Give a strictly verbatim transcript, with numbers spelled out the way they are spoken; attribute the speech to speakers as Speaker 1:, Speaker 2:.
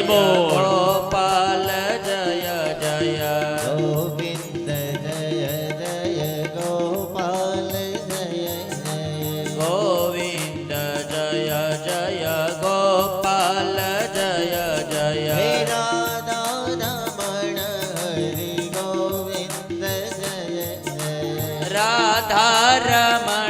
Speaker 1: बोल
Speaker 2: गोपाल जय जय
Speaker 3: गोविंद जय जय गोपाल जय जय
Speaker 2: गोविंद जय जय गोपाल जय जय
Speaker 3: हे राधा रमण हरि गोविंद जय जय
Speaker 2: राधा रमण